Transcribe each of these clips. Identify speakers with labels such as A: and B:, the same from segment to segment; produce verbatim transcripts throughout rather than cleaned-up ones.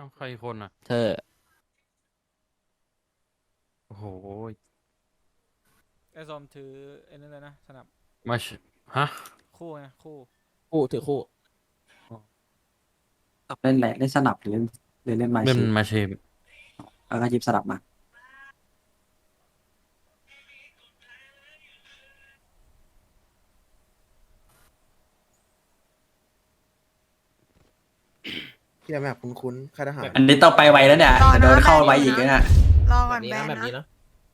A: าวใครคนอ่ะ
B: เธอ
A: โอ้โห
C: ไอ้ซอมถือไอ้นั่นเลยนะสนับ
A: มาชฮะ
C: คู่ไงคู่
D: คู่ถือคู่
E: เล่นแหละเล่นสนับหรือเล่นหรือเล่นไม้
A: เป็น
E: ชี
A: มาเชม
E: แล้วก็หยิบสนับมา
F: ที่แบบคุ้นๆค่ายทหาร
E: อันนี้ต้องไปไวแล้วเนี่ยจะโดนเข้าไว้อีกแล้วเนี่ย
G: รอ
D: แบ
G: ก่อน
D: บนี้
G: แบ
D: นะ
G: น
D: แบบนี้
G: นะ
D: นะ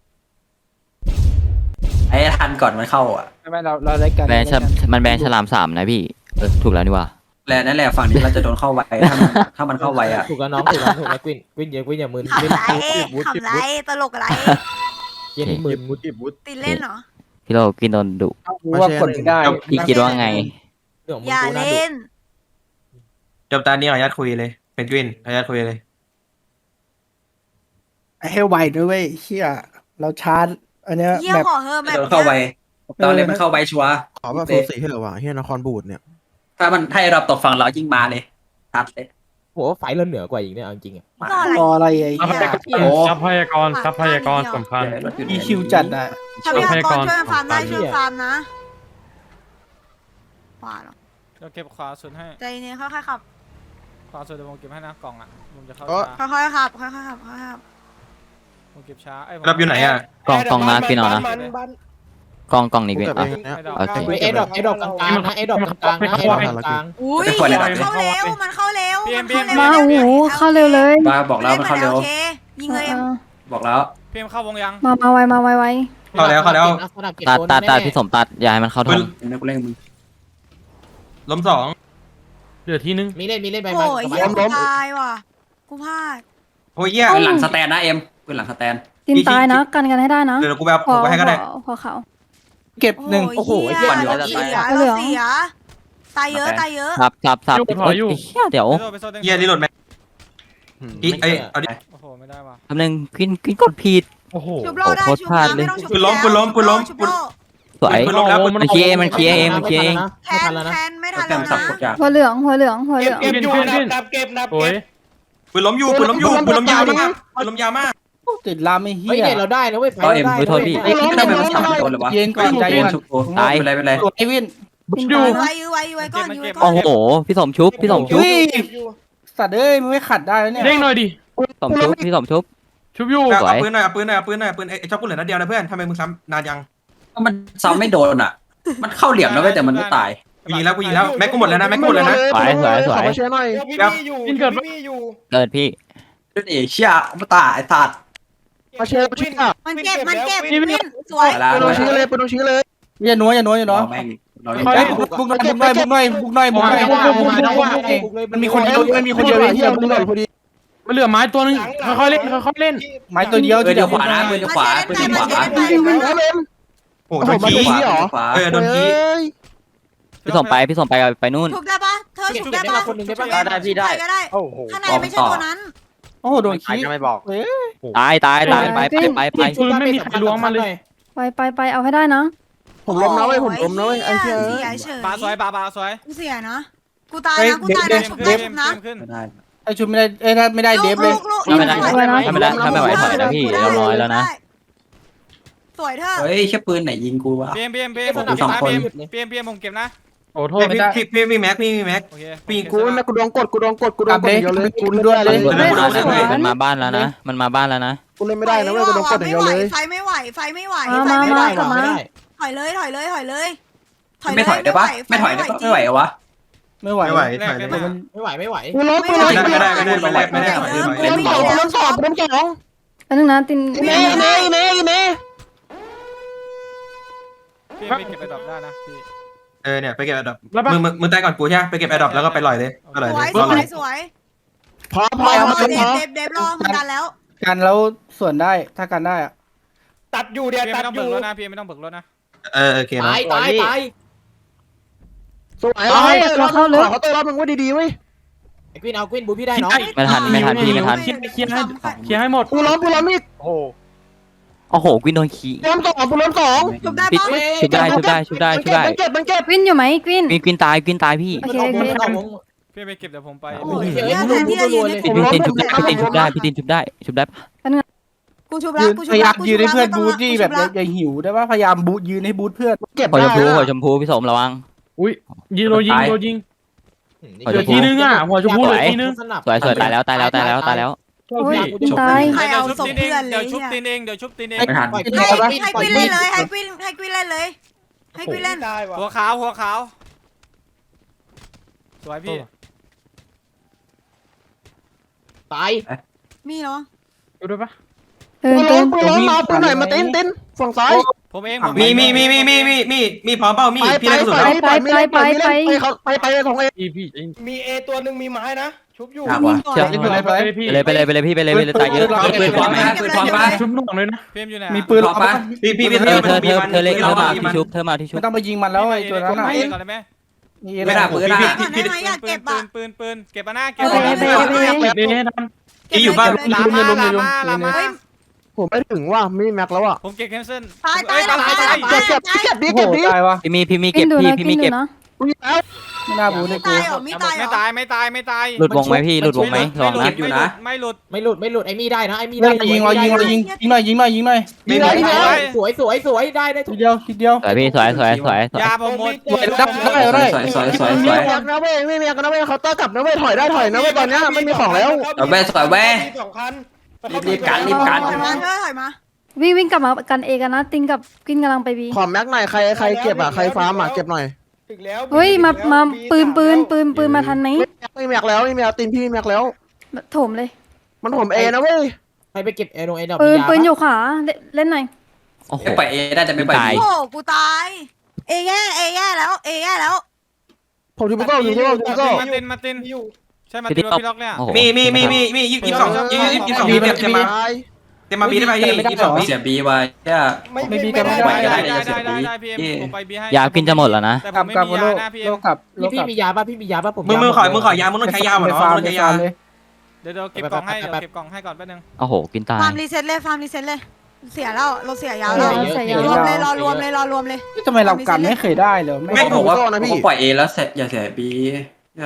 E: ไอ้ทันก่อนมันเข้าอ่ะ
H: ไม่ไม่เราเราเล่นกัน
B: แบนฉลมันแบนฉลามสามนะพี่เออถูกแล้วนี่ว่า
E: แล้วนั่นแหละฝั่งนี้เราจะโดนเข้าไว้ถ้ามันถ้ามันเข้าไว้อ่ะ
D: ถูกแล้วน้องถูกแล้วถูกแล้วกวินกวินอย่ากวินอย่ามึน
G: ขำ
D: กวิน
G: ไร
D: วุฒิ
G: ขำไรตลกอะไร
D: เย็นมึน
F: วุฒิวุฒิ
G: ติดเล่นเหรอ
B: พี่โลกินโดนดุ
H: รู้ว่ากดไม่ได้
B: พี่คิดว่าไง
D: เรื่องมึง
G: อย่า
D: กูน่าดุ
G: เล่น
I: จบตานี้ขออนุญาตคุยเลย เป็นกวินขออนุญาตคุยเลย
H: ไอ้เฮลไวด้วยเว้ยเชี่ยเราชาร์จอันเนี้ย
G: เยี่ย
H: แบบ
G: ขอเฮอแบ
E: โด
G: บ
E: นเข้าไว้ตอนนี้มันเข้าไว้ชัวร์
F: ขอแบบโซสีให้เหรอวะเฮียนครบูดเนี่ย
E: ถ้ามันให้เราตกฝั่งเรายิ่งมาเลยทัดเลย
D: โหไฟเราเหนือกว่าอีกเนี่ยเอาจริงๆอะ
G: รออะไร
H: รออะไรไอ้
A: ทรัพยากร
E: โอ้
A: ทรัพยากรทรัพยากรสำคัญ
H: อีคิวจัดอ่ะ
G: ทรัพยากรช่วยฟาร์มได้ช่วยฟาร์มนะขวาเหรอ
C: เดี๋ยวเก็บขวาสุดให้
G: ใจเย็นค่อยๆขับ
C: ขวาสุดเดี๋ยวผมเก็บให้นะกล่องอ่ะผมจะเข้า
F: อ๋อ
C: ช้า
G: ค่อยๆขับค่อยๆขับค่อยๆขับ
C: ผมเก็บช้าไอ้ยผม
I: รับอยู่ไหนอ่ะ
B: กล่องกล่องนะพี่นอนนะกล่องกล่องนี้พี่
F: กู
B: อ่ะ
F: เก็บเองเนี่ย
C: ไม่ดอก
B: โอเค
D: ไอ้ดอกไอ้ดอกกลางๆนะไอ้ดอกกลางๆนะไอ้ดอกกลาง
G: อุ้ย
E: ไม่ควรเลยนะ
G: มันเข้าเร็วมันเข้าเร็วมันเข้าเร็ว
J: มาโอ้โหเข้าเร็วเลย
E: มาบอกแล้วมันเข้าเร็ว
G: โอคยิงเลย
J: เออ
E: บอกแล้ว
C: พี่เอ็มเข้าวงยัง
J: มามาไวมาไวไว
D: ๆ
I: เข้าแล้วเข้าแล้ว
B: ตัดตัดตัดพี่สมตัดอย่าให้มันเข้าท
I: ปื
B: ง
I: น
E: เดี๋ยวกูเล่นมึง
I: ล้มสอง
A: เหลือที่นึง
D: มีเล่นมีเล่นไป
G: โอ้
D: มาย
G: เยี่ยกูตายว่ะกูพลาด
I: โอ้ยเหี้ย
E: ปืนหลังสแตนนะเอ็มปืนหลังสแตน
J: ทีมตายนะกันกันให้ได้นะ
I: เดี๋ยวกูไปเอา
J: พอ
I: กูไปให้ก็ได้
J: พอพอเขา
H: เก็บหนึ่ง
G: โอ้โหเหี้ยเราเสียเราเสียตายเยอะตายเยอะ
B: สับสับสับโอ้ยเหี้ยเดี๋ยว
C: ไปโซ่ไปโซ่เด้ง
I: เหี้ยรีโหลดไหมอีเอ้ยเอาดิ
C: โอ้โหไม่ได้ว่ะ
B: คำนึงกินกินกดผิด
A: โอ้โห
G: ชุบโลได้
B: โอ้โห
G: ชุบ
B: พลาด
G: นะ
B: เลย
G: ไม่ต้องชุบ
I: ปืนล้มปืนล้มปืนล้ม
G: ชุบโล
B: สวย
I: ปืนล้มแล้วปืน
B: มันเคลียร์เองมันเคลียร์เองมันเคลียร์เอง
G: แท
D: ไม่ทั
G: น
D: นแล้วนะ
G: แทนไม่ทัน
E: แต้
G: แล้ว
E: มสับ
G: นะ
E: กดยาก
J: หัวเหลืองหัวเหลืองหัวเหลือง
A: เก็บขึ้นขึ้นโอ้ย
I: ปืนล้มอยู่ปืนล้มอยู่ปืนล้มยาวมากปืนล้มยาวมาก
H: ติดลามไอ้เหี้
D: เฮ้ย
H: ย
D: เนี่ยเราได้นะเว้ยไฟ
E: เอาเอ็ม
D: เรา
E: ไม่โทษ
D: ได้
E: พี่
D: เว้ย
E: เอ้ยทำไมมันสับโดนเลยวะ
H: เย็นก่อนใจ
E: เย็
H: เย็
E: น
H: น
E: ชุบกูไม่เป็นไรไม่เป็นไร
H: กดไอ้วิน
J: ทีม
H: อยู่
J: ตายนะ
G: ยื้อไว้ยื้อไว้ยื้อไว้ก่อนยื้อไว้ก่อ
B: โอ้
G: น
B: โหพี่สมชุบพี่สมชุบ
H: เฮ้ยสัตว์เอ้ยมึงไม่ขัดได้แล้วเนี่ย
A: เด้งหน่อยดิ
B: สมชุบพี่สมชุบ
A: ชุบอยู่
B: สวย
I: เอาปืนหน่อยเอาปืนหน่อยเอาปืนหน่อยเอาปืนไอ้ชอบกูเหลือนัดเดียวนะเพื่อนทำไมมึงซ้ำนานยัง
E: ก็มันซ้ำไม่โดนอ่ะ มันเข้าเหลี่ยมแล้วเว้ยแต่มันไม่ตาย
I: กูยิงแล้วกูยิงแล้วแม็กกูหมดแล้วนะแม็กกูหมดแล้วนะ
B: สวยสวยสวย
F: ขอมาเชียร์หน่อย
I: ครับ
A: กินเกิด
B: เกิดพี่
E: เล่นเอเชียมาตายไอ้สัตว์
F: มาเชียร์มาเชียร์
G: มันเก็บมันเก็บวินสวย
E: ไปแล้ว
F: ไปโดนชี้เลยไปโดนชี้เลย
H: อย่านัวอย่านัวอย่านัว
E: เราแม่งเราเล่น
H: เฮ้ยบุกบุกหน่อยบุกหน่อยบุกหน่อยบุกหน่อยบุกหน่อยบุกหน่อยบุกหน่อยบุกหน่อยมันมีคนเดียวมันมีคนเดียวเฮียบุกหน่อยพอดี
A: มันเหลือไม้ตัวนึงค่อยๆเล่นค่อยๆเล่น
H: ไม้ตัวเดียว
E: ปืนเดียวขวานะปืนเดียวขวาปืนเดียวขวา
I: โอ้โหโดน
F: มา
I: ขี้
F: โดนชี้เหรอ
E: ขวา
I: เออโดนขี้
B: พี่สมไปพี่สมไปไปนู่น
G: ชุบได้ปะเธอชุบได้ปะ
D: คนหนึ่งได้ปะ
G: ได้พี่ได้ก็ได้
H: โอ้โห
G: ข้างในไม่ใช่ตัวนั้น
H: โอ้โหโดนขี้ไม่บอก
B: ตายตายตายไปไปไปไป
A: ปืนไม่มีใครล้วงมาเลย
J: ไปไปไปเอาให้ได้นะ
F: ผมล้มนะเว้ยผมล้มนะเว้ยไอ้เชีย
G: เสียเฉย
C: ปลาสวยปลาปลาสวย
G: กูเสียนะกูตายนะกูตายนะชุบได้ชุบนะ
C: ขึ้น
E: ไม่ได้
H: ไอชุดไม่ได้เอ้ยถ้าไม่ได้เดฟเลย
B: ถ้าไม่ได้ถ้าไม่ได้ถ้าไม่ไหวถอยนะพี่เราน้อยแล้วนะ
G: สวยเธอ
E: เฮ้ยแค่ปืนไหนยิงกูวะ
C: เบียมเบียมเบียม
E: ผ
C: ผม ม
E: ดู
C: เก็
E: ส
C: บ
E: อง
C: นะ
E: คน
C: เบียมเบียมผมเก็บนะ
A: โอ้โทษไม่
I: พี่
A: ได้
I: พี่พี่มีแม็กพี่มีแม็ก
C: โอเค
I: ปีก
F: กูนะกูโดนกดกูโดนกดกูโด
H: กลั
F: น
H: บ
F: กด
H: เลย
F: เดียวเลย
H: กูด้วยเลย
I: เดี๋ยวนะกูโดน
B: มันมาบ้านแล้วนะมันมาบ้านแล้วนะ
F: กูเล่นไม่ได้นะเว้ยกูโดนกดอย่างเดียวเลย
G: ไฟไม่ไหวไฟไม่ไหว
J: มา
G: ไฟ
J: มา
G: ไม่ไหว
J: มากลับมา
G: ถอยเลยถอยเลยถอยเลย
E: ไม่ถอยได้ปะไม่ถอยได้ปะไม่ไหวเหรอวะ
H: ไม่ไหว
I: ไม่ไหวถอยเลย
D: ไม่ไหวไม่ไหว
F: กูล้มกูล้ม
I: ไม่ได้ไม่ได้ไม่ได้ไม่ได้ไม่ได้
F: กูล้มสองกูล้มสองกูล้มสอง
J: อันนึงนะติน
F: เน่เน่เน่เน่
C: พี่ไปเก็บไปดรอปได้นะพี่
I: เออเนี่ยไปเก็บแอดดอป
A: แล้วปะ
I: มึงมึงมึงตายก่อนกูใช่ไหมไปเก็บแอดดอปแล้วก็ไปลอยเลยไปลอย
G: ส
I: เล
G: วย
I: ย
G: ส
I: รอ
G: ว
I: เลย ย
G: สวย
F: พอพอ
G: รอ
F: มา
G: เด
F: พอ
G: ฟเดฟเดฟรอมันกันแล้ว
H: กันแล้วส่วนได้ถ้ากันได้อะ
C: ตัดอยู่เดียวตัดอยู่ไม่ต้องเบิกรถนะพี่ไม่ต้องเบิกรถนะ
I: เออโอเคนะ
D: ตายตายตาย
F: สวยเลยขอเขาตัวรับมึงว่าดีๆเว้ย
D: ไอ้กวินเอากวินบูพี่ได้น้อง
B: ไม่ทันไม่ทันพี่ไม่ทัน
A: เคลียร์เคลียร์ให้เคลียร์ให้หมด
F: กูล้มกูล้มอีก
B: โอ้โหกวินโดนขี้
F: ล้มสองกูล้มสอง
G: ชุบได้
B: ปิด
G: ปะ
B: ชุบได้ชุบได้ชุบได้ชุบได้
F: มันเก็บมันเก็บ
J: กวินอยู่ไหมกวิน
B: กวินกวินตายกวินตายพี่
J: โอเคโอเค
D: เข้าวง
C: พี่ไปเก็บเดี๋ยวผมไป
G: โอ้ยเดี๋ยวแทนที่จะยืนให้
B: พี่
G: กู
B: พี่ตินชุบพี่ตินชุบได้พี่ตินชุบได้ชุบได้ปะ
G: กูชุบแล้วกูชุบ
H: พยายา
G: แล้
H: ม
G: วกู
H: ยื
G: ชุ
H: น
G: บ
H: ให้
G: แล้ว
H: เพื่อน
G: ไม่ต้
H: บู
G: อง
H: ทที่
G: กู
H: แบ
G: ชุ
H: บบ
G: แล้ว
H: อย่าหิวได้ว่าพยายามบูทยืนให้บูทเพื่อนเก็บ
B: หัวชมพู
H: ได้
B: หัวชมพูพี่สมระวัง
A: อุ้ยยิงโดนยิงโดนยิง
B: หัว
A: เหลื
B: ช
A: อ
B: มพู
A: ทีนึงอ่ะหัวชมพูเหลือทีนึง
B: สวยสวยตายแล้วตายแล้วตายแล้วตายแล้ว
J: โอ้ยตินตาย
G: ใคร
C: เดี๋ย
G: เอา
C: วชุบ
G: ศพ
C: ตีนเอ
G: เพื่อน
C: ง
G: เล
C: เดี๋ยวย ชุบ
G: เนี่ย
C: ตีนเองเดี๋ยวชุบตีนเอง
E: ไม่ทัน
G: ให้ให้กวินเล่นเลยให้กวินให้กวินเล่นเลยให้กวินเล่น
C: หัวขาวหัวขาวสวยพี่
D: ตาย
G: มีเหรอ
A: ดูด้วยปะ
J: เดิน
F: ปื
J: เดิ
F: น
J: น
F: ปืนล้มมาปืนหน่อยมาติ้นติ้นฝั่งซ้าย
C: ผมเอง
I: มีมีมีมีมีมีมีมีพร้อมเปล่ามี
F: ไป
I: พี่
F: ไป
I: ได้กระสุน
F: ไป
I: แล้ว
F: ไปไปไปไปไปไปของเอ
A: พี่พี่
H: มีเอตัวหนึ่งมีไม้นะชุบอยู่
E: ยากว่ะ
B: เชื่อ
A: ไปไปพี่
B: ไปเลยไปเลยไปเลยพี่ไปเลยไปเลยตายเยอะ
E: ปืนพร้อมไหมปืนพร้อมปะ
A: ชุบหน่วงเลยนะ
C: พี่อยู่ไหน
H: มีปืน
E: พร้อมปะ
I: พี่พี่พี่
B: เธ
I: เธ
B: อ
I: อ
B: เธอเธอเธอเล็ก
I: พี่
B: เธอ
I: เรา
B: มา
I: พี่
B: ที่
I: มัน
B: ชุบเธอมาที่ชุบ
H: ไม่ต้องไปยิงมันแล้วไอ้ตัวนั้นน่ะ
C: เองก่อนได้ไหม
E: ไม่ได้ปืน
I: พี่
E: อ่ะ
G: ก่อนได้ไหมอยาก
C: ปื
G: เก็
C: น
G: บ
C: ปื
G: อ่ะ
C: นปืนปืนเก็บมาหน้าเก็บ
J: ไปไปไปไปไป
A: นี่ให้ทัน
I: พี่อยู่บ้าน
C: ลามาลามาลามา
F: ผมไม่ถึงว่ามีแม็กแล้วอ่ะ
C: ผมเก็บแคนเซิล
G: ตายตายตายตาย
F: เก็บเก็บเก็บดิ
H: โอ้โห
F: เก็บดิ
H: ตายวะ
B: พี่มีพี่มี
J: กิ
B: เก็
J: น
B: บ
J: ดู
B: พี่
J: นะ
B: พี่
J: กิ
B: มี
J: นดู
B: เก็บ
J: นะ
F: กูยิงแล้ว
H: ไม่น่าบูทเลยกู
G: ตายเหรอมีตายเหร
C: ไม่
G: อ
C: ตายไม่ตายไม่ตาย
B: หลุดวงไหมพี่หลุดวงไหมลองนะ
C: ไม่หลุดไม่หลุด
D: ไม่หลุดไม่หลุดไอ้มี่ได้นะไอ้มี่
H: เล่
D: ได้
H: นยิงเรายิงเรายิงยิงหน่อยยิงหน่อยยิงหน่อย
I: ไม่
D: ได้
I: มี
D: ได้สวยสวยสวยได้ได้ทุ
H: ที
D: ก
H: เดียวทีเดียว
B: สวยพี่สวยสวยสวยสวย
C: ยาผมหมด
H: ได้ได้ได้
E: สวยสวยสวยส
F: มี
E: วย
F: แม็กนะเว้ยไม่มีแม็กนะเว้ยเขาน์เตอร์กลับนะเว้ยถอยได้ถอยนะเว้ยตอนนี้ไม่มีของแล้ว
E: เอาแว่สวยแว่
H: สองคัน
E: รีบๆกันรีบกัน
G: ถอยมาเธอถอยมา
J: วิ่งวิ่งกลับมากันเอกันนะตินกับกินกำลังไปบี
F: ขอแม็กหน่อยใครใครเก็บอ่ะใครฟาร์มอ่ะเก็บหน่อย
H: ถึงแล้ว
J: เฮ้ยมามาปืนปืนปืนปืนมาทันไหม
F: ไม่แม็กแล้วไม่แม็กตินพี่แม็กแล้ว
J: โถมเลย
F: มันผมเอนะเว้ย
D: ใครไปเก็บไอ้โดนไอ้ดอก
J: ปืนปืนอยู่ขวาเล่นหน่อย
B: โอ้โห
E: ไม่ปล่อยเอได้แต่ไม่ปล่อย
B: ตาย
E: บี
G: โอ้โหกูตายเอแย่เอแย่แล้วเอแย่แล้ว
F: ผมอยู่บุกโก้อยู่บุกโก้อยู่บุกโก้
C: มาตินมาติน
H: อยู่
C: ใช่มาตินพี่ล็อกเนี่ย
B: โอ้โห
I: มีมีมีมีมียี่สิบสองยี่สิบสองเตรียมเตรียมมาเตรียมมาบีได้ไหมยี่สิบสอง
E: เสียบีไว้เนี่ย
H: ไม่มีกันไม่
C: ได้
H: ได้
C: ได้ได้ได้ได้พี่เอ็มผมไปบีให้
B: ยากินจะหมดแล้วนะ
C: แต่ผ
H: กลั
C: ม
H: บ
C: ไม่
H: กลับ
C: มี
H: โล
C: ยาก นะพี่เอ็
H: โล
C: ม
H: กลับโล
D: พี่
H: กลับ
D: พี่มียาป่ะพี่มียาป่ะผม
I: มึงมึงขอมึงขอยามึงต้องใช้ยาเหรอมึงต้องใช้ยา
H: เลย
C: เดี๋ยวเดี๋ยวเก็บกล่องให้เดี๋ยวเก็บกล่องให้ก่อนแป๊บนึง
B: โอ้โหกินตาย
G: ฟาร์มรีเซ็ตเลยฟาร์มรีเซ็ตเลยเสียแล้วเราเสียยาว
J: เอ
G: แล้ว
J: อใส่ยาร
G: วมเลยรอรวมเลยรอรวมเลย
H: ทำไมเรากันไม่เคยได้เลย
E: ไม่ผมว่าผมปล่อยเอแล้วเสร็จอย่าเสียบีเนี่ย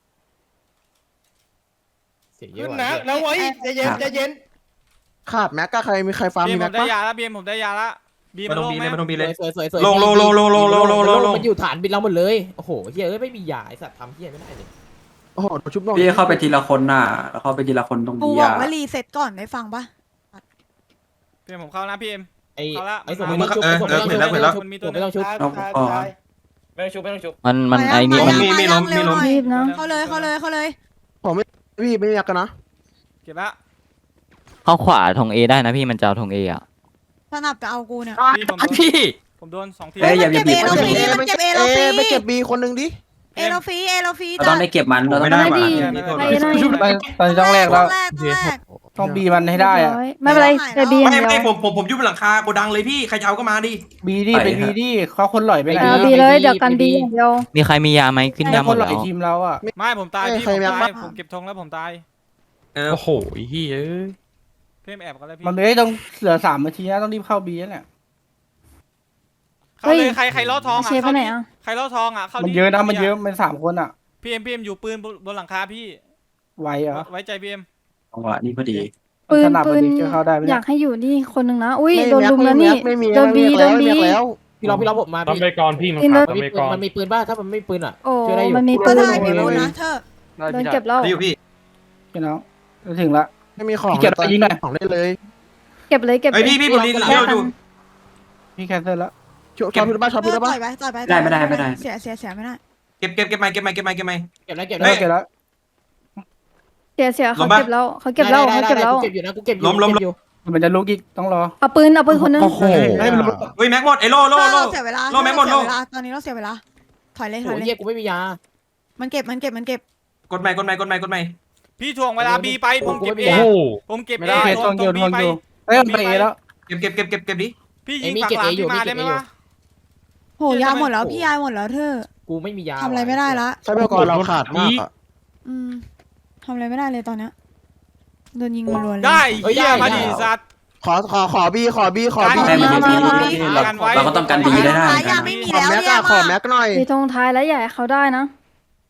D: เสียเย
H: ขึ้
D: อะ
H: นนะนะไว้ใจเย็นใจเย็น
F: ขาดแม็กก็ใครมีใครฟาร์ม
C: บี
F: มี
C: ผ
F: แม็
C: ม
F: ก
C: ได้
F: ปะ
C: ยาแล้วบีผมได้ยาละบี
I: มา
C: มัน
I: ลง
C: ลง
I: บี
C: ไหม
I: เลยมาลงบีเลย
D: สวยสวยสวย
I: ลงลงลงลงลงลงลงลงลง
D: มันอยู่ฐานบินเราหมดเลยโอ้โหเฮียเอ้ยไม่มียาไอสัตว์ทำเฮียไม่ได้เลย
F: โอ้โหชุบน้อง
E: พี่เข้าไปทีละคนน่ะแล้วเข้าไปทีละคนตรง
G: กู
E: นี้
G: บอก
E: อ่ะ
G: ว่ารีเซ็ตก่อนได้ฟังปะ
C: พี่เอ็มผมเข้านะพี่เอ็ม
D: ไอ้
C: เอาละ
D: ไอ้สมไม่ต้องชุบผมไม่ต้องชุบ
C: ไม่ชุบไม่ต้องชุบ
B: มันมันไอ้นี่มัน
I: มีมีล้มมีล้ม
J: รีบนะ
G: เขาเลยเขาเลยเขาเลย
F: พี่ไม่มีแม็กกันนะ
C: เก็บละ
B: เข้าขวาธงเอได้นะพี่มันจะเอาธงเออะ
G: สนับจะเอากูเนี่ย
C: พี่ผมโดน
B: พี่
C: ผมโดนสองที
E: เอ้ยอย่าบีบ
G: เก็บ
E: คน
G: เอ
E: นี้
G: มันเก็บเอเราฟรี
F: ไปเก็บบีคนหนึ่งดิ
G: เอเราฟรีเอเราฟรี
E: เราต้องไม่เก็บมันเราต้อง
I: ไม่ได้
J: ไม่
I: ว่ะ
J: ดี
C: ไม่
J: ไป
C: ได้
J: หน่อย
H: ชุบไปตอนต้องแรกแล้ว
G: แรกแรก
H: ต้องบีมันให้ได้อะ
J: ไม่เป็นไรแต่บี
I: ไม่
J: เดียว
I: ไม่ผมผมผมยุบหลังคาโกดังเลยพี่ใครจะเอาก็มาดิ
H: บีดิไปบีดิเขาคนหล่อยไปไหน
J: เออบีเลยเดี๋ยวกันบีเดียว
B: มีใครมียาไหมขึ้นยาห
H: ค
B: ม
H: น
B: ด
H: หล่
B: แล้
H: อยว ทีมเราอ่ะ
C: ไม่ผมตายพี่ผมตายผมเก็บธงแล้วผมตาย
I: เออ
A: โอ้โหเฮียเอ้ย
C: พี่เอ็มแอบกันเลยพี่
H: มันเลยต้องเหลือสามนาทีนะต้องรีบเข้าบีแล้วเนี่ย
C: เข้าเลยใครใครล่อทองอ่ะ
J: เชฟไปไหนอ่ะ
C: ใครล่อทองอ่ะเข้า
H: มัน
C: ดิ
H: เยอะนะมันเยอะเป็นสามคนอ่ะ
C: พี่เอ็มพี่เอ็มอยู่ปืนบนหลังคาพี่
H: ไหวเหรอ
C: ไว้ใจพี่เอ็ม
E: จังหวะนี้พอดี
J: ปืน
H: ขนาด
J: ปื
H: มัน นจะเข้าได้ไหม
J: อ
H: เนี่ย
J: ยากให้อยู่นี่คนหนึ่งนะอุ้ย
F: ไม่
J: โดน
F: แม็ก
J: ลุม
F: ไม่
J: แล้ว
F: มี
J: นี่
F: ไม่มี
J: โดนบีโดนบี
F: แล้ว
D: พี่เราพี่เราผมมา
A: ต้อง
D: พี่
A: ไปก่อนพี่มัน
J: กิน
A: ขาด
D: มัน
A: ต้อง
D: มี
A: ไป
D: ปืน
A: ก่อน
D: มันมีปืนป่ะถ้ามันไม่ปืนอ่ะ
J: โอ้
D: ช่วยได้อยู่
J: มันมี
G: ก็
J: ปืน
G: ได้ไม่รู้นะเธอ
J: โดนเก็บแล้ว
I: ได้อยู่พี่
H: พี่น้องจะถึงละ
F: ไม่มีของ
H: พี่เก็บไปยิงหน่อย
F: ของได้เลย
J: เก็บเลยเก็บเล
I: ไอย
J: ย
I: พี่พี่ผมรีบ
J: แค่
I: เร็ว
J: นั้
I: ดู
J: น
H: พี่แคนเซิลแล้ว
F: ชอบพี่บ้าชอบพี่
G: ต่
F: บ้า
G: อยไปต่อยไปเสียเสียเสียไม่ได้
I: เก็บเก็บเก็บไม้เก็บไม้เก็บไม้เก็บไม้
D: เก็บแล้วเก็บ
H: เลิ
D: แล้ว
H: กแล้ว
J: เสียเสีย
I: ล
J: เขา
I: งปะ
J: เก็บแล้วเขาเก็บแล้วเขาเก็บแล้ว
D: กูเก็บอยู่นะกูเก็บอยู่
I: ล้มล้ม
D: เก็บอยู่
H: มันจะลุกอีกต้องรอ
J: เอาปืนเอาปืนคนนึง
H: โอ้โหให้มันลุก
I: เฮ้ยแม็กหมดไอโลโลโล
G: เราเสียเวลา
I: โลแม็กหมดโล
G: ตอนนี้เราเสียเวลาถอยเลยถ
D: โอ้
G: อย
D: ย
G: เลย
D: เฮียกูไม่มียา
G: มันเก็บมันเก็บมันเก็บ
I: กดไม้กดไม้กดไม้กดไม้
C: พี่ถ่วงเวลาบีไปผมเก็บเอ
A: โอ้โห
C: ผมเก็บ
H: ไม่
C: เอ
H: ได้
C: ต
H: ท
C: ร
H: อง
C: ง
H: เดียว
C: บี
H: ทอง
C: ไป
H: เดียวเอ้ยมันไปเอแล้ว
I: เก็บเก็บเก็บเก็บเก็บดิ
C: พี่ยิงฝั่งหลังพี่มาได้ไหมวะ
G: โหยาหมดแล้วพี่ยาหมดแล้วเธอ
D: กูไม่มียา
G: ทำอะไรไม่ได้ละ
F: ใช้เพื่อก่อนเราขาดมากอ่ะ
G: อืมทำอะไรไม่ได้เลยตอนเนี้ยโดนยิงรัวๆเลย
C: ได้เฮียมาดิสัตว์
F: ขอขอขอบีขอบีขอบี
E: ได้มันดีเราเราก็ต้องการดีได้ได้
G: ยาไม่มี
F: ขอ
G: แล้ว
F: แม็ก
G: แย่
F: อะขอ
G: มาก
F: แม็กหน่อย
J: มีตรงท้ายแล้วอย่าให้เขาได้นะ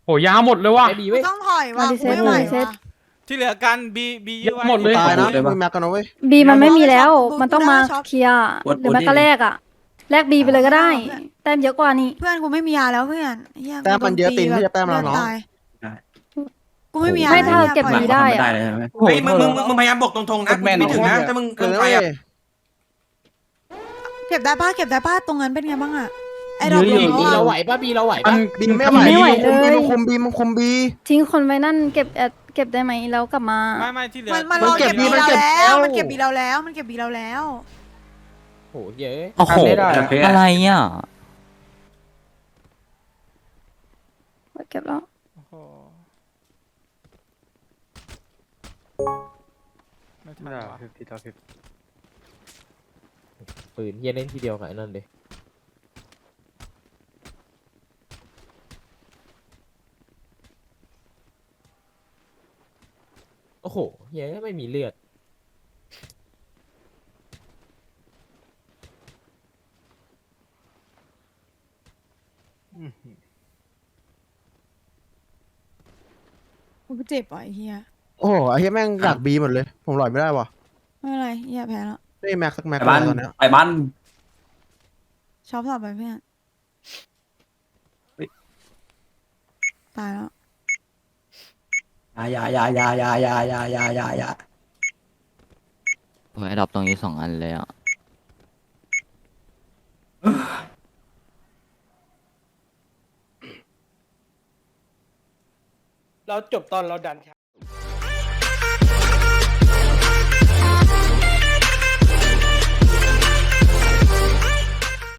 A: โหยาวหมดเลยว่ะ
D: ไอบีเว้ย
G: ต้องถอยว่ะ
J: มาดิเซต
G: ไม่ไหว
J: มาดิเซต
G: ว่ะ
C: ที่เหลือกันบีบียื้อไว้
A: หมดเลย
F: ตายนะ
E: เลยปะ
F: มึงแม็กกันนะเว้ย
J: บีมันไม่มีแล้ว มันต้องมาเคลียร์หรือแม้ก็แลกอะแลกบีไปเลยก็ได้ แต้มเยอะกว่านี่
G: เพื่อนกูไม่มียาแล้วเพื่อนเหี้ย
F: แต้มมันเยอะตีนที่จะแต้มเราเนาะ
G: ตยกูไม่มียา
J: ไม่ถ้า
G: แล้ว
J: เก็บ
G: ปล่อย
J: บีได้
E: ไม่
J: อะ
E: ได้เลยใช่ไหม
I: เฮ้ยมึงมึงมึงมึงพยายามบอกตรงๆนะไม่ถึงนะถ้ามึง
F: เอ
I: เกิน
F: อ
I: ไป
F: เว้ย
I: อ่ะ
G: เก็บได้ป้าเก็บได้ป้าตรงนั้นเป็นไงบ้างอะไอ้ดอก
A: เย
G: ล
A: อะ
G: ง
A: อยู่
D: บี
G: แล้ว
D: เรา
G: อะ
D: ไหวปะบีเราไหว
A: มั
D: ปะ
A: น
F: บินไม่ไหว
J: ไม่ไหวเลย
F: มึงคุมบีมึงคุมบี
J: ทิ้งคนไว้นั่นเก็บแอดเก็บได้ไหมแล้วกลับมา
C: ไม่ไม่ที่เหลือ
G: มันมัน
F: มัน
G: รอ
F: เก็
G: เก็
F: บบ บี
G: บี
F: มัน
G: เรา
F: เก็บ
G: แล้ว
F: แล้ว
G: มันเก็บบีเราแล้วมันเก็บบีเราแล้ว
D: โอ้โหเหี้ยเอ้ย
B: โอ้โห
H: ทำไม่ได้
B: อะไรอ่ะ
J: เก็บแล้ว
C: โอ้โหไม่ทันว่ะ
A: พี่ต่อพี่
D: ปืนเหี้ยเล่นทีเดียวกับไอ้นั่นเลยโอ้โหเหี้ยไม่มีเลือด
G: กูเจ็บว่ะไอ้เหี้ย
F: โอ้โหไอ้เหี้ยแม่งดักบีหมดเลย ผมหลอยไม่ได้ว่ะ
G: ไม่เป็นไรเหี้ยแพ้แล้ว
F: ไม่แม็กสักแม็ก
E: ไปบ้าน
F: ตอนเนี้ย
E: ไปบ้าน
G: ชอบต่อไปเพื่อนตายแล้ว
E: อย่าอย่าอย่าอย่าอย่าอย่าอย่าอย่าอย่า
B: โอ้ยดรอปตรงนี้สองอันเลยอ่ะ
H: เราจบตอนเราดัน